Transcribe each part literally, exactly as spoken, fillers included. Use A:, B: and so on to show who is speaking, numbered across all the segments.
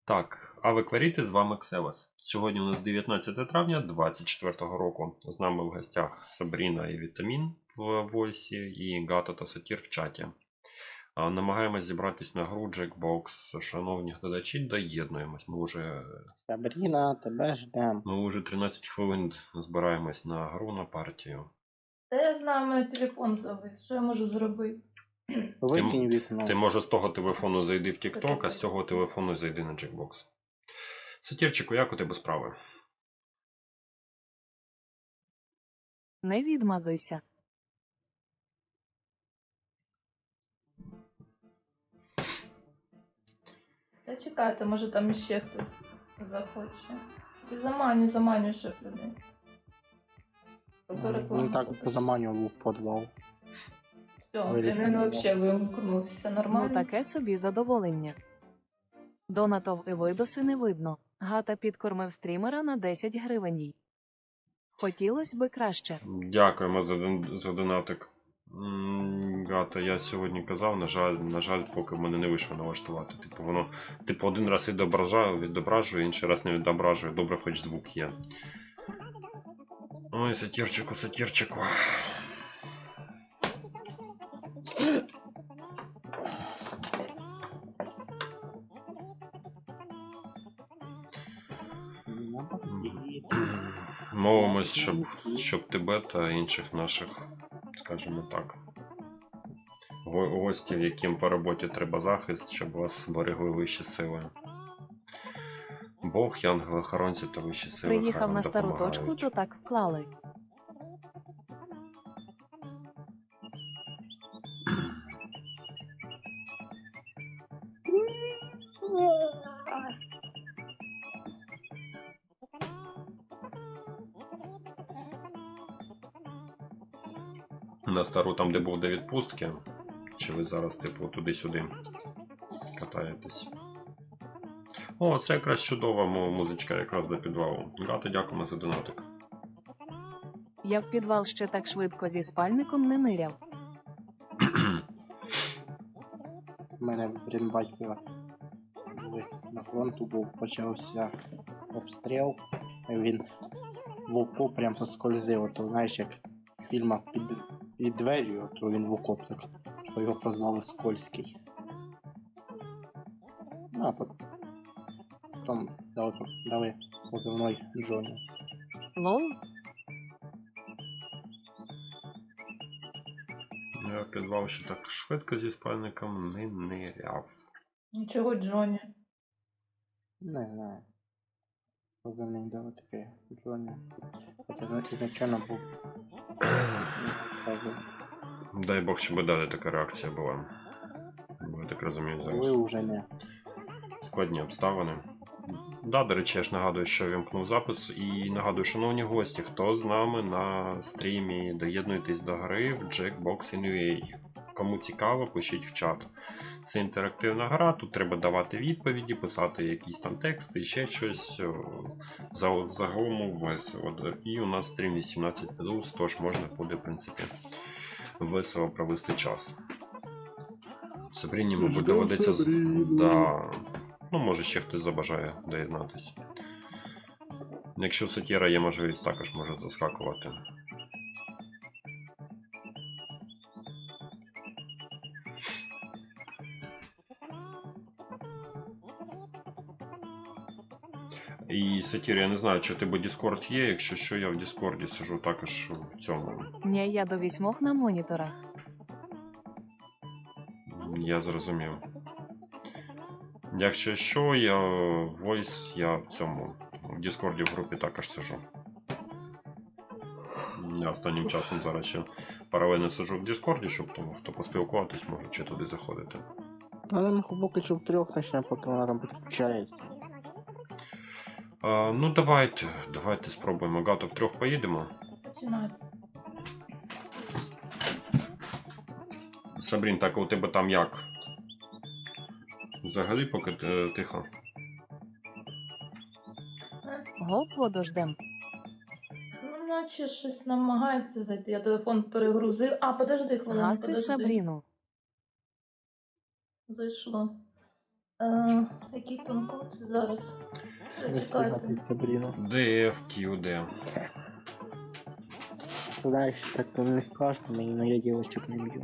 A: Так, Аве Кваріти, з вами Ксевас. Сьогодні у нас дев'ятнадцяте травня двадцять четвертого року. З нами в гостях Сабріна і Вітамін в войсі і Гато та Сатір в чаті. Намагаємось зібратись на гру Jackbox. Шановні глядачі, доєднуємось. Ми вже...
B: Сабріна, тебе ждем.
A: Ми вже тринадцять хвилин збираємось на гру, на партію.
C: Та я знаю, мене телефон завис. Що я можу зробити?
B: Викинь вікно.
A: Ти може з того телефону зайди в TikTok, а з цього телефону зайди на Jackbox. Сатірчику, як у тебе справи?
D: Не відмазуйся.
C: Та чекайте, може там іще хтось захоче. Ти заманю, заманю, щоб людей.
B: Він так позаманював у підвал.
C: Все, він взагалі вимкнувся
D: Ну
C: нормально.
D: таке собі задоволення. Донатов і видоси не видно. Гата підкормив стрімера на десять гривень. Хотілось би краще.
A: Дякуємо за, дон- за донатик. М, Гата, я сьогодні казав, на жаль, на жаль, поки в мене не вийшло налаштувати. Типу, воно, типу, один раз відображає, відображує, інший раз не відображує. Добре, хоч звук є. Ой, сатірчику, сатірчику. Мовимось, щоб, щоб тебе та інших наших, скажімо так, го- гостів, яким по роботі треба захист, щоб вас берегли вищі сили. Бог, янголи-охоронці та вищі сили. хай
D: Приїхав
A: вам
D: на стару
A: допомагають.
D: точку, то так вклали.
A: На стару, там, де був до відпустки, чи ви зараз, типу, туди-сюди катаєтесь? О, це якраз чудова му- музичка, якраз до підвалу. Гата, дякуємо за донатик.
D: Я в підвал ще так швидко зі спальником не ниряв.
B: У мене блін, батько на фронту був, почався обстріл. І він в окоп прям соскользив. Ото, знаєш, як в фільмах під, під дверю, то він в окоп так, що його прозвали Скользький. Ну, а потім дали, дали позивний Джоні.
D: Лол,
A: Я в підвал ще так швидко зі спальником не ниряв.
C: Нічого, Джоні.
B: Не знаю. Позивний дали такий Джоні. Хоча ізначально був.
A: Дай Бог, щоб далі така реакція була. Бо я так розумію,
B: Ви
A: зараз
B: вже не.
A: складні обставини. Да, до речі, я ж нагадую, що вімкнув запис. І нагадую, шановні гості, хто з нами на стрімі, доєднуйтесь до гри в Jackbox ін ю ей. Кому цікаво, пишіть в чат. Це інтерактивна гра, тут треба давати відповіді, писати якісь там тексти і ще щось. За- Загалом весело. І у нас стрім вісімнадцять плюс, тож можна буде, в принципі, весело провести час. Сабріні, мабуть,
B: Ждем
A: доведеться... з-
B: Сабріну.
A: Да. Ну, може, ще хтось забажає доєднатися. Якщо у Сатіра є можливість, також може заскакувати. І Сатір, я не знаю, чи у тебе Discord є, якщо що, я в Discord сижу також в цьому.
D: ні, я до вісьмох на моніторах.
A: Я зрозумів. Якщо що, я Voice, я в цьому. В Discord в групі також сижу. Я останнім часом зараз ще паралельно сижу в Discord, щоб тому, хто поспілкуватись, може чи туди заходити.
B: Але ми поки що в трьох почнемо, поки вона там підключається.
A: А, ну давайте, давайте спробуємо. Гато, втрьох поїдемо.
C: Починай.
A: Сабрін, так у тебе там як? Взагалі поки е, тихо.
D: Гоп водождем.
C: Ну, наче щось намагається зайти. Я телефон перегрузив. А, подожди хвилину,
D: Гаси
C: подожди.
D: Сабріну.
C: Зайшло. Е, який там код зараз? Що чекайте?
B: Сабріна.
A: Д Ф Q D.
B: Знаєш, так то не страшно, мені, но я дівчинок не б'ю.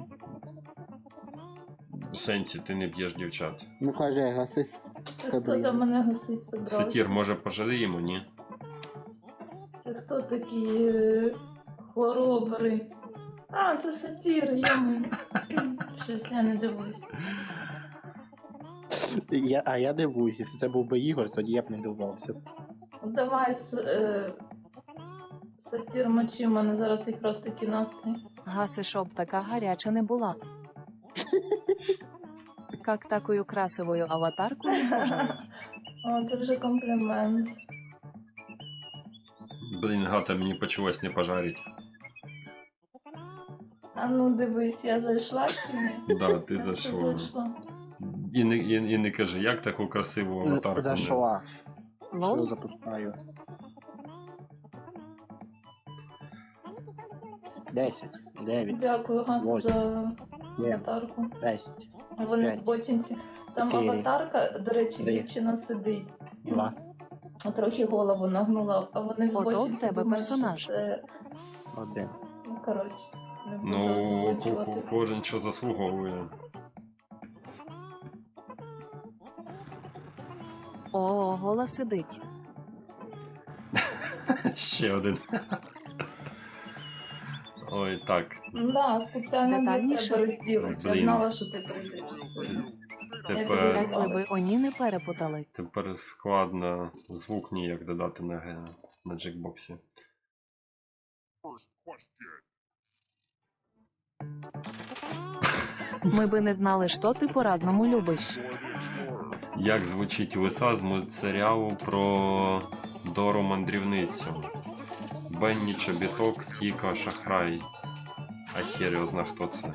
A: В сенсі, ти не б'єш дівчат.
B: Ну каже, гасись.
C: Це хто там мене гасить собрав?
A: Сатір, може пожаліємо, ні?
C: Це хто такі е, хворобри? А, це сатір, йому. Щось я не дивуюсь.
B: Я, а я дивуюсь, якщо це був би Ігор, тоді я б не дивувався.
C: Давай, с, е, сатір мочи, у мене зараз якраз такий настрій.
D: Гаси, щоб така гаряча не була. Как такою красивою аватарку не пожаліть.
C: О, це вже комплімент.
A: Блін, гата, мені почалось не пожарить.
C: А ну дивись, я зайшла чи ні?
A: Да, ти
C: Я все
A: зайшла.
C: зайшла.
A: І не, і, і не кажи, як таку красиву аватарку? не-
B: Зайшла.
D: Лол?
B: Що запускаю? Десять, дев'ять,
C: Дякую, Ганна,
B: Восемь.
C: за
B: Є.
C: аватарку.
B: шесть,
C: Вони
B: П'ять.
C: збочинці. Там
B: Чотири.
C: аватарка, до речі,
B: Три.
C: дівчина сидить.
B: два,
C: Трохи голову нагнула, а вони
D: Ото в
C: збочинці
D: тебе
C: думають, що
D: персонаж.
C: це...
B: один.
C: Ну, коротше, не буду
A: Ну, ко-
C: озвучувати.
A: ко- кожен що заслуговує.
D: О, гола сидить.
A: Ще один. Ой, так.
C: Да, спеціально для
D: Детальніше.
C: тебе розділися. Я
A: Блін.
C: знала, що ти прийдеш.
A: Тепер,
D: Ес ви би оні не перепутали.
A: тепер складно звук ніяк додати на, ге- на джекбоксі.
D: Ми би не знали, що ти по-разному любиш.
A: Як звучить лиса з мультсеріалу про Дору мандрівницю? Бенні, Чобіток, Тіка, Шахрай. А хер його зна, хто це.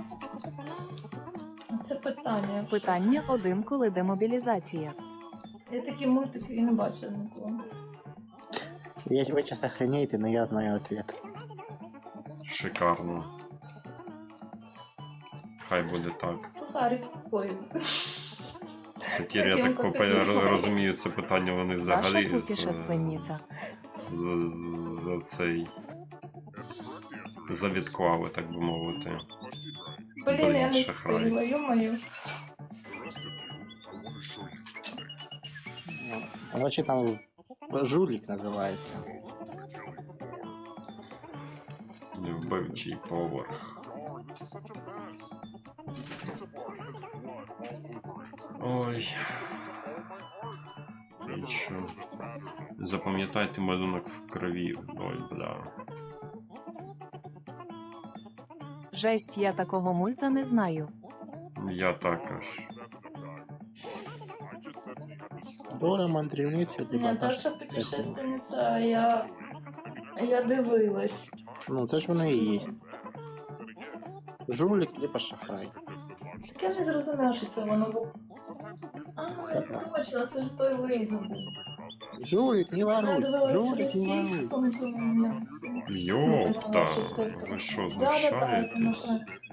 C: Це питання.
D: Питання один, коли демобілізація.
C: Я такі мультики і не бачила ніколи.
B: Я, вы сейчас охренеете, но я знаю ответ.
A: Шикарно. Хай буде так.
C: Сухарик. Ой.
A: Сатір, я
C: Як
A: так
C: йому
A: попе-
C: покатило.
A: розумію, це питання вони
D: Ваша
A: взагалі з,
D: путешественниця.
A: з, з- за цей завідклали, так би мовити.
C: Блін, я
A: Блін,
C: не
A: шахрай.
C: встигла, ё-моё.
B: Короче, там жулик называется.
A: Вбивчий поверх. Ой. І що? Запам'ятайте малюнок в крові. Ой, бля.
D: Жесть, я такого мульта не знаю.
A: Я також.
B: Дора мандрівниця, либо
C: Наташа путешественниця, а я... Я дивилась.
B: Ну, це ж воно і є. Жулик, либо шахрай.
C: Так я не зрозуміла, що це воно було. А, точно, це ж той лизу був.
B: Жулик, не
C: Я
B: воруй.
C: дивилась
B: Жулик, не воруй.
C: російському, тому
A: Йопта. Ви що, знущаєтесь?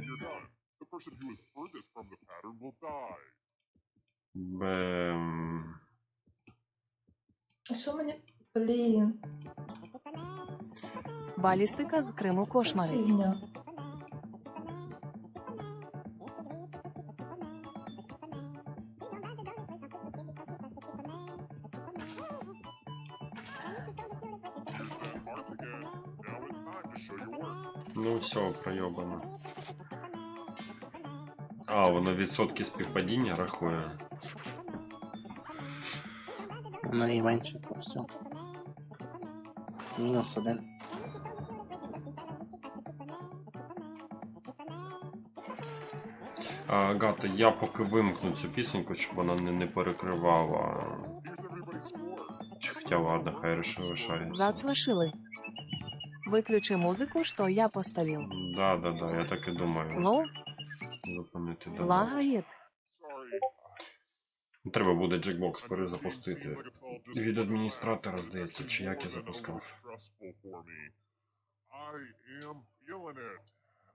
A: Бем.
C: А що мені... Блін,
D: Балістика з Криму кошмарить.
C: фігня.
A: Ну все, пройобано. А, воно відсотки співпадіння рахує.
B: Найменше, то все. Мінус один.
A: А, Гата, я поки вимкну цю пісеньку, щоб вона не, не перекривала. Чи хоча ладно, хай реши- лишається.
D: Зацвашили. Виключи музику, що я поставив.
A: Да, да, да, я так і думаю.
D: Лов,
A: Зупинити да.
D: лагает.
A: Треба буде джекбокс перезапустити. Від адміністратора, здається, чи як я запускав.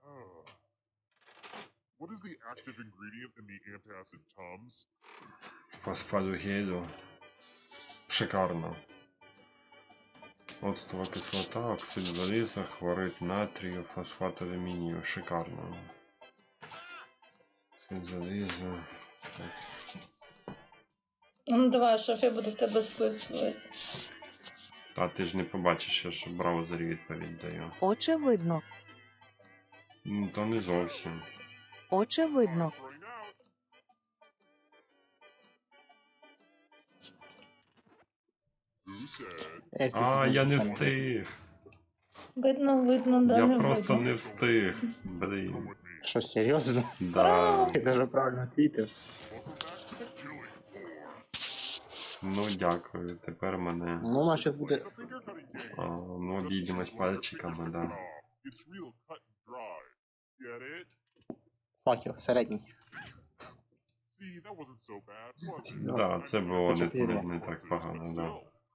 E: What is the active ingredient in the antacid Tums?
A: Фосфадогейду. Шикарно. Оцтова кислота, оксид заліза, хлорид натрію, фосфат алюмінію. Шикарно. Оксид заліза.
C: Ну давай, шеф, я буду в тебе списувати.
A: Та ти ж не побачиш, я ж в браузері відповідь даю.
D: Очевидно.
A: Ну, то не зовсім.
D: Очевидно.
B: Е,
A: А,
B: тут
A: я не
B: нічого
A: встиг.
C: Видно, видно, да
A: Я
C: не
A: просто
C: видно.
A: не встиг. Блін.
B: Що, серйозно?
A: Да.
B: Ти даже правильно твітив.
A: Ну дякую. Тепер мене.
B: Ну, у нас зараз буде...
A: А, ну, обійдемось пальчиками, да.
B: Факел, середній.
A: Да, це було не,
B: Чотири.
A: не, не так погано, да.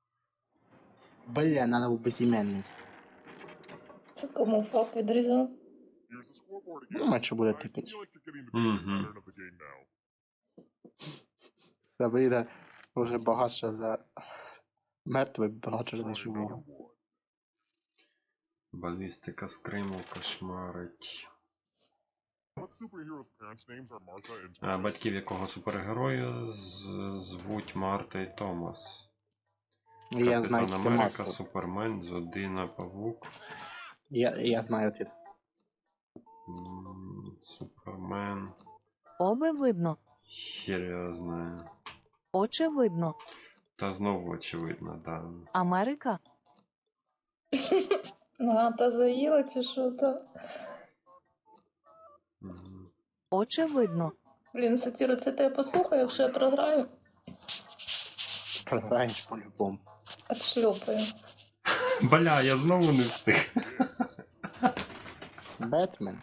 B: Бля, надо був безіменний.
C: Це кому фак відрізав?
B: Ну, менше буде тикати.
A: Угу.
B: Сабріна вже багатша за... Мертвий багатша за живого.
A: Балістика з Криму кошмарить. А, батьків якого супергероя з- звуть Марта і Томас.
B: Я знаю
A: Капітан
B: тільки
A: Америка,
B: Марку.
A: Супермен, Зодина, Павук.
B: Я, я знаю ответ.
A: М, Супермен.
D: Обе видно.
A: Хер я знаю.
D: Очевидно.
A: Та знову очевидно, да.
D: Америка.
C: Гата заїла чи що то?
A: Мгм.
D: Очевидно.
C: Блін, сатіру, це тебе послухаю, якщо я програю,
B: Програєш по-любому.
C: отшльопаю.
A: Бля, я знову не встиг.
B: Бетмен.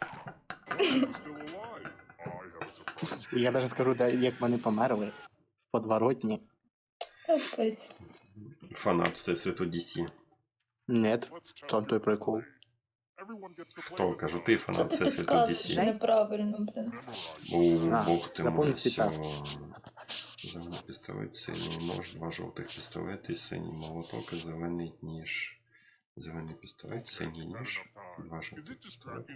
B: Я навіть скажу, де- як вони померли. В подворотні.
C: Капець.
A: Фанат Всесвіту Ді Сі.
B: Нет, там той прикол.
A: Хто, кажу, ти
C: Що
A: фанат
C: ти
A: Всесвіту Ді
C: підказуєш
A: Сі.
C: неправильно, блін.
A: О,
B: А,
A: бог ти мой,
B: запомни
A: все.
B: цитату.
A: Зелений пістолет, синій нож, два жовтих пістолети, синій молоток і зелений ніж. Зелений пістолет, синій ніж, два жовтих пістолети.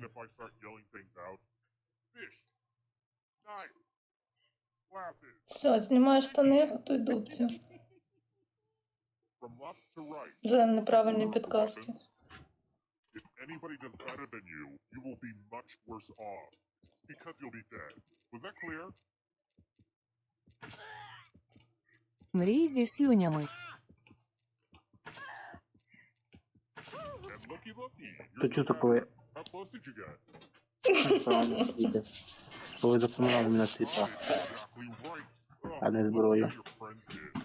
C: Все, знімаю штани, готуй дубцю. За неправильні підказки.
E: Anybody does better than you, you will be much worse off. Because you'll be dead. Was that clear?
D: Мрій зі слюнями.
E: And looky looky.
B: То чого коли...
E: How close did you get?
B: Коли запоминали мене цвіта.
E: Exactly right. Oh,
B: А не
E: let's see
B: зброю.
E: how your friend did.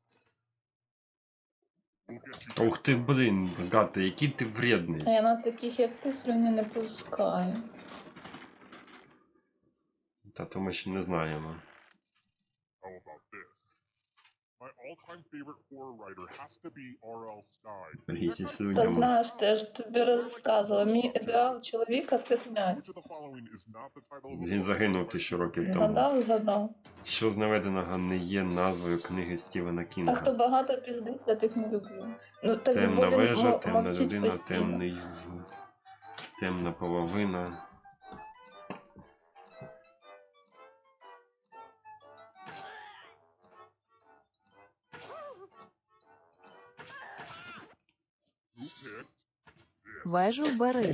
E: We'll get you
A: Ух ти, блін, гати, який ти вредний.
C: А я на таких, як ти, слюні не пускаю.
A: Та то ми ще не знаємо.
E: How about this? My all-time favorite horror writer has to be Ар Ел Стайн.
A: Мрій зі
C: Та
A: слюнями.
C: знаєш, ти ж тобі розказувала, мій ідеал чоловіка це
E: Which
C: князь.
E: of the following is not the title of a
A: Він
E: book?
A: загинув тисячу років тому.
C: Згадав, згадав.
A: Що з наведеного не є назвою книги Стівена
C: А хто
A: Кінга.
C: багато піздить, я тих не люблю. Ну, так
A: Темна
C: бо він
A: вежа,
C: мо-
A: темна
C: мовчить
A: людина,
C: постійно.
A: темний в- темна половина.
E: Who picked this?
D: Вежу бери.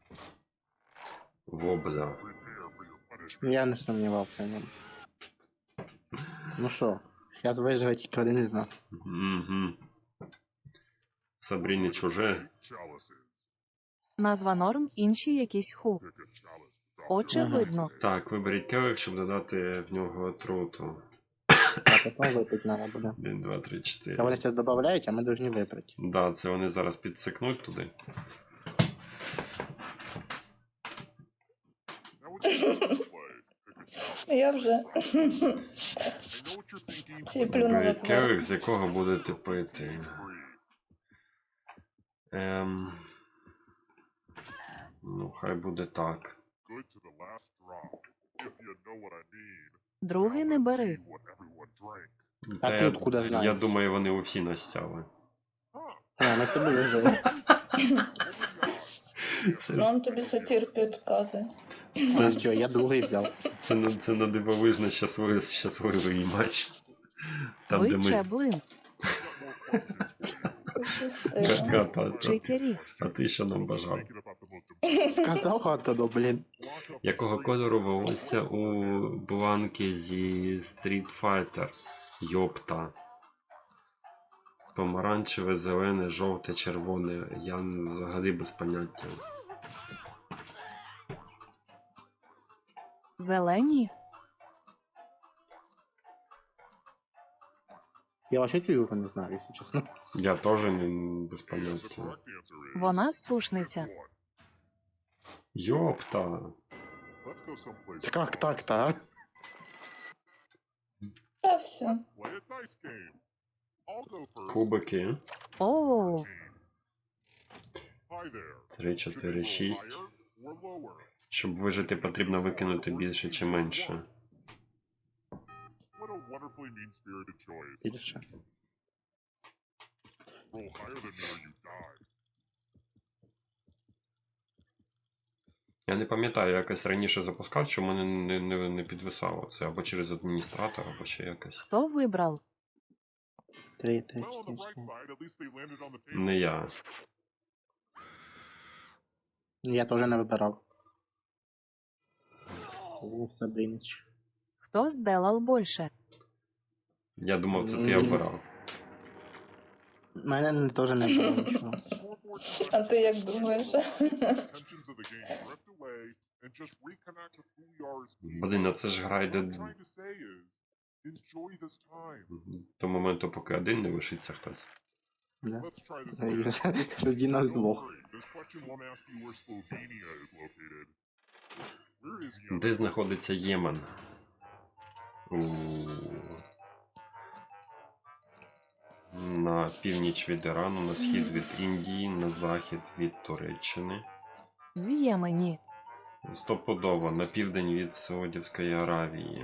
A: Вобля.
E: Prepare for your punishment.
B: Я не сумнівався в ньому. Ну що, зараз виживе тільки один із нас.
A: Угу. Сабріні чуже.
E: Chalices.
D: Назва норм, інші якісь ху.
E: Pick a chalice.
D: Очевидно.
A: Так, виберіть келих, щоб додати в нього отруту.
B: А потім випити треба буде.
A: один, два, три,
B: Та
A: чотири.
B: вони зараз додають, а ми повинні випити.
A: Да, це вони зараз підсикнуть туди.
E: Now it's your turn to play. Pick a chalice.
C: Я вже.
E: I know what you're thinking.
C: Ще й
E: but
C: плюнула
A: Виберіть
C: зверху.
A: келих, з якого будете пити.
E: free.
A: Ем... Ну, хай буде так.
E: Good to the last drop. If you know what I mean.
D: Другий не бери.
E: See what everyone drank.
B: А
A: Та
B: ти
A: я-
B: откуда
A: Я
B: знаєш?
A: думаю, вони усі настяли.
E: Huh.
B: А, ми з тобою жили.
A: Це,
C: Ну, он тобі сатір підказує.
B: Це що, я другий взяв.
A: це, на- це на дивовижно щасливий, щасливий матч. Там, де
D: Ви
A: ми...
D: чеблин,
C: Пощастило.
A: Гата, а,
D: читері.
A: а ти що нам бажав?
E: Thinking about the most
B: Сказав Антону, блін.
E: important
A: Якого кольору волосся у Бланки зі Street Fighter? Йопта. Помаранчеве, зелене, жовте, червоне. Я взагалі без поняття.
D: Зелені,
B: Я вообще цю не знаю, якщо чесно.
A: Я теж не без
E: The
A: поняття.
E: correct answer is
D: вона сушниця.
E: one.
A: Йопта.
E: Let's go someplace.
B: Як так-то, а?
C: Та все.
E: Play a dice game. I'll go first.
A: Кубики.
D: О,
E: Hi there.
A: три,
E: Should we
A: чотири,
E: roll
A: шість.
E: higher or lower?
A: Щоб вижити, потрібно викинути більше чи менше.
E: What a wonderfully mean-spirited choice.
B: Більше.
E: Roll higher than me or you die.
A: Я не пам'ятаю, я якось раніше запускав, що мене не, не, не підвисало. Це або через адміністратора, або ще якось.
D: хто вибрав?
B: Три, три,
E: Well, on the
B: чотири,
E: bright
B: чотири.
E: side, at least they landed on the table.
A: Не я.
B: Я теж не вибирав. О, Сабринич.
D: Хто зделал більше?
A: Я думав, це ти
B: Мгм.
A: обирав.
B: Мене теж не було нічого.
E: Scoreboard
C: А ти як думаєш?
E: tensions of the game drift away and just reconnect with who we are as people.
A: Блін, а це ж гра йде
E: What I'm trying to say is, enjoy this time.
A: до моменту, поки один не лишиться хтось.
B: Да.
E: Let's try this again.
B: Тоді нас
E: Don't
B: двох.
E: worry, this question won't ask you where Slovenia is located. Where is Yemen?
A: Де знаходиться Ємен? У... На північ від Ірану, на схід від Індії, на захід від Туреччини.
D: В Ємені.
A: Стопудово, на південь від Саудівської Аравії.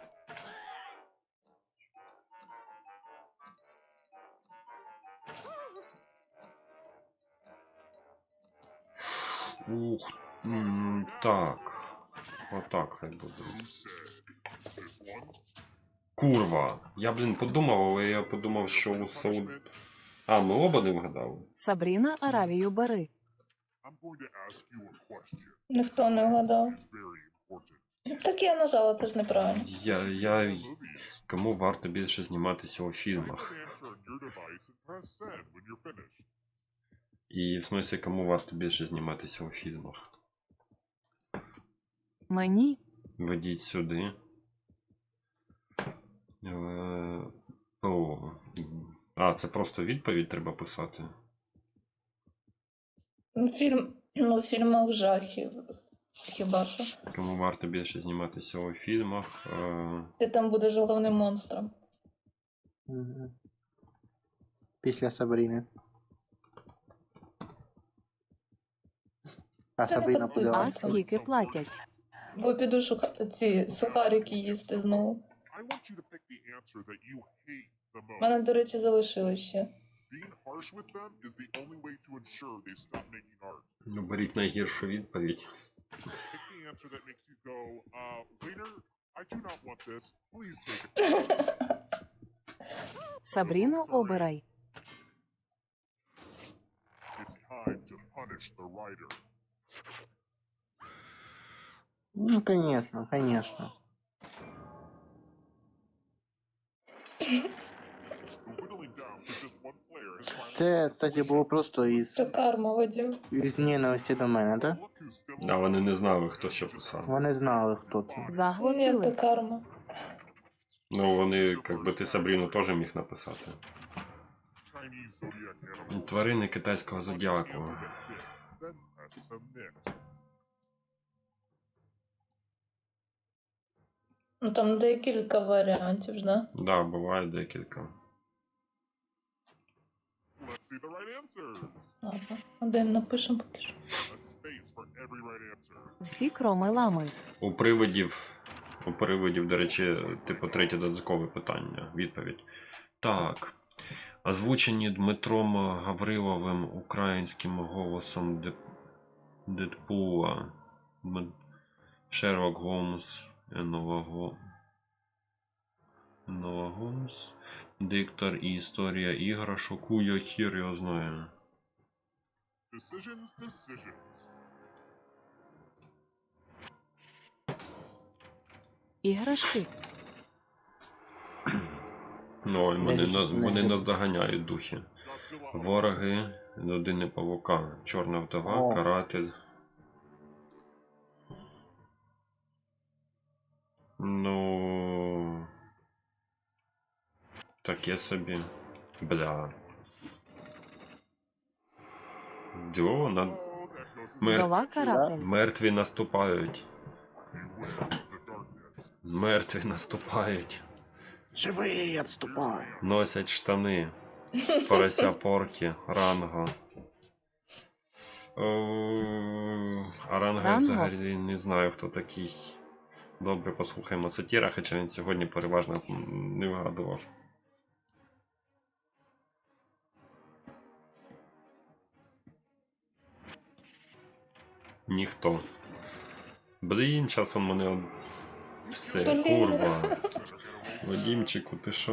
A: Ух, м, так. Отак хай буде.
E: Who said? This one?
A: Курва. Я, блін, подумав, але я подумав, що у Сауд... А, ми оба не вгадали.
D: Сабріна, Аравію бери.
E: I'm going to ask you a question.
C: Ніхто не вгадав.
E: It's very important.
C: Так я нажала, це ж неправильно.
A: Я, я...
E: Movies.
A: Кому варто більше зніматися у
E: Type
A: фільмах?
E: an answer on your device and press send when you're finished.
A: І в смислі, кому варто більше зніматися у фільмах?
D: Мені.
A: Ведіть сюди. Е, О. А, це просто відповідь треба писати.
C: Ну, Фільм, ну, в фільмах жахів. Хіба що?
A: Кому варто більше зніматися у фільмах? Е,
C: Ти там будеш головним монстром.
B: Мгм. Після Сабріни. А
C: Та не
B: Сабріна
C: подумай.
B: буде
D: А
B: ласка.
D: скільки платять?
C: Бо піду шука... ці сухарики їсти знову.
E: I want you to pick the answer that you hate the
C: У мене,
E: most.
C: до речі, залишили ще.
E: Being harsh with them is the only way to ensure they stop making art.
A: ну, беріть найгіршу відповідь.
E: Pick the answer that makes you go, uh, waiter, I do not want this. Please take it.
D: Сабріно, обирай.
E: It's time to punish the writer.
B: Ну, конечно, конечно.
E: Whittling down to just one player has finally
B: Це, кстати, було просто із,
C: Це карма, Вадим.
B: із ненависті до мене, так?
E: look who's still
A: А вони не знали, хто що писав.
B: Вони знали, хто це.
C: Ні, це
D: Загвоздили.
C: карма.
A: Ну, вони, як би ти Сабріну теж міг написати.
E: Chinese zodiac animals.
A: Тварини китайського зодіаку.
E: Answer that fits, then press submit.
C: Ну там декілька варіантів ж, да?
A: Да, буває декілька.
E: Let's see the right answers.
C: Ага. Один напишемо поки що.
E: A space for every right answer.
D: Всі кроми лами.
A: У привидів У переводів, до речі, типу третє додаткове питання. Відповідь. Так. Озвучені Дмитром Гавриловим українським голосом Деп... Дедпула. М- Шерлок Голмс, Енова Го... Енова Голмс, Диктор і історія іграшок. У я хір його знаю.
E: Decisions, decisions.
D: Іграшки.
A: Ну, ой, вони,
B: Не-
A: нас,
B: не-
A: вони нас доганяють духи.
E: Godzilla.
A: Вороги, людини павука, чорна вдова,
B: О.
A: каратель. Ну. Таке собі. Бля. Дьо, на...
E: Oh, that goes
A: Мер...
D: Вдова каратель.
A: Мертві наступають.
E: Beware of the darkness.
A: Мертві наступають.
B: Живий, відступай.
A: Носять штани. Порося поркі. Ранго. О, а Ранго я
D: Ранго?
A: взагалі не знаю, хто такий. Добре, послухаємо сатіра, хоча він сьогодні переважно м, не вгадував. Ніхто. Блін, час он мене. од- Все,
C: Блін.
A: курва. Вадімчику, ти що?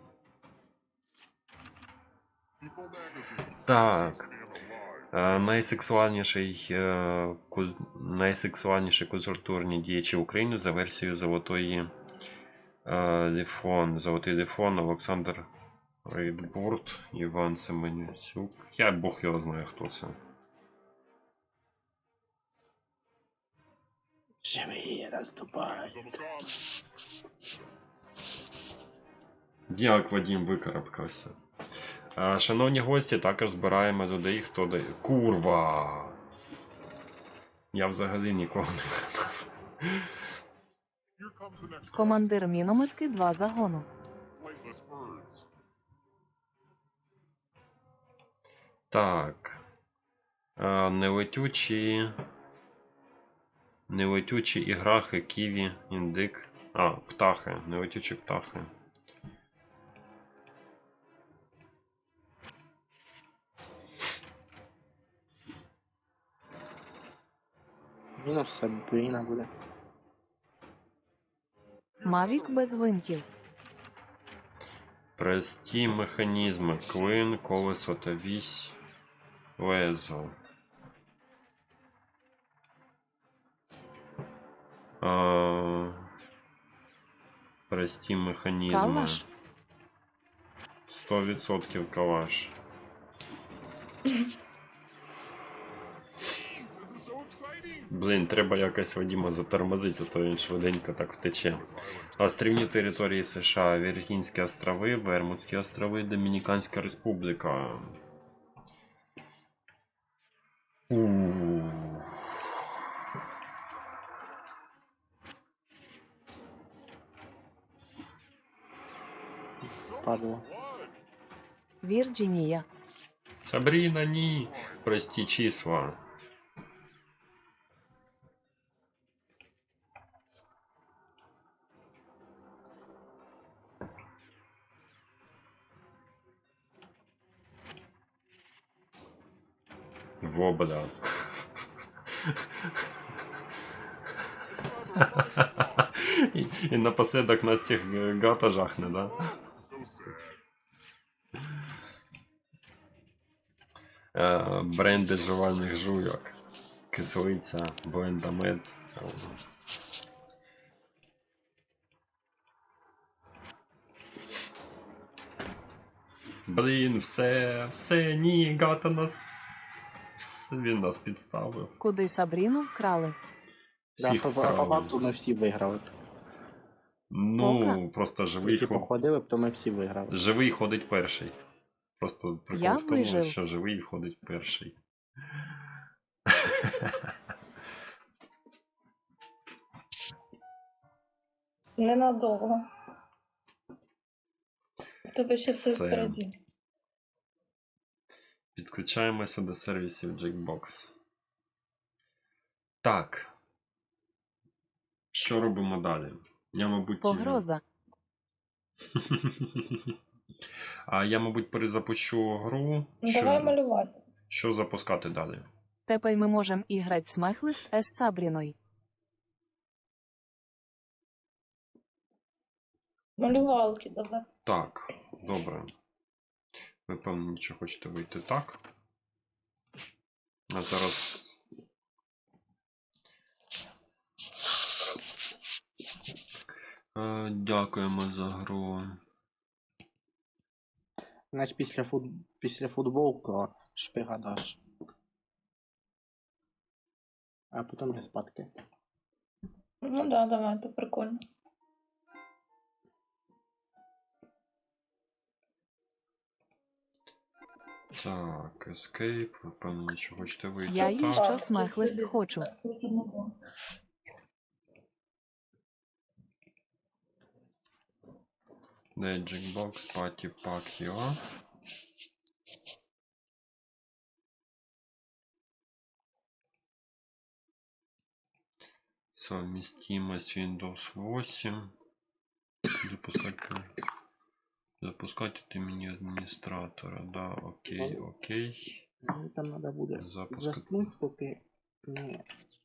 E: People magazines.
A: Так.
E: Stay alive.
A: Е, Найсексуальніший, е, куль... найсексуальніші культурні діячі України за версією Золотої е, Ліфон. Золотий Ліфон, Олександр Рейдбурт, Іван Семенюцюк. Я Бог його знає, хто це.
B: Живий, відступай.
E: Замикав.
A: Як Вадім викарабкався. Е, Шановні гості, також збираємо людей, хто дає. Курва! Я взагалі нікого не вгадав.
E: Here comes the next one.
D: Командир мінометки два загону.
E: Flightless birds.
A: Так. Е, Нелетючі. Нелетючі іграхи, ківі, індик. А, птахи. Нелетючі птахи.
B: Мінус Сабріна буде.
D: Мавік без винтів.
A: Прості механізми. Клин, колесо та вісь. Лезо. А, прості механізми.
D: Калаш.
A: сто відсотків калаш.
E: This is so exciting.
A: Блін, треба якось Вадіма затормозити, а то він швиденько так втече. Острівні території США, Віргінські острови, Вермутські острови, Домініканська Республіка. У.
B: Падло.
D: Вірджинія.
A: Сабріна, ні. Прості числа. Вобда. І, і напоследок нас всіх гата жахне, да?
E: So sad.
A: Е, бренди жувальних жуйок. Кислиця, блендамет. Блін, все, все, ні, гата нас. Все, він нас підставив.
D: Куди Сабріну вкрали.
B: Да,
A: Всіх
B: по, по
A: вкрали.
B: факту ми всі виграли.
A: Ну, просто живий,
B: Якщо
A: ход...
B: походили б, то ми всі виграли.
A: живий ходить перший. Просто прикол
D: Я
A: в тому,
D: вижив.
A: що живий ходить перший.
C: Ненадовго. В Тебе ще все
A: Все.
C: впереді.
A: Підключаємося до сервісів Jackbox. Так. Що робимо далі? Я, мабуть.
D: Погроза.
A: А я, мабуть, перезапущу гру.
C: Ну, давай
A: Що,
C: малювати.
A: що запускати далі?
D: Тепер ми можемо іграти смехлист із Сабріною.
C: Малювалки давай.
A: Так, добре. Ви, певно, нічого хочете вийти так. А зараз. Е, Дякуємо за гру.
B: Значить після, фут... після футболку шпига даш. А потім респадки.
C: Ну да, давай, це прикольно.
A: Так, escape, ви, певно, нічого хочете вийти
D: Я
A: так.
D: їй що смехлист хочу.
A: Де Jackbox, Party Pack, йо. Совместимость Windows восемь. Запускать, запускать от имени администратора. Да, окей, окей.
B: Мені там треба буде
A: Запуск.
B: заснути, поки. Ні.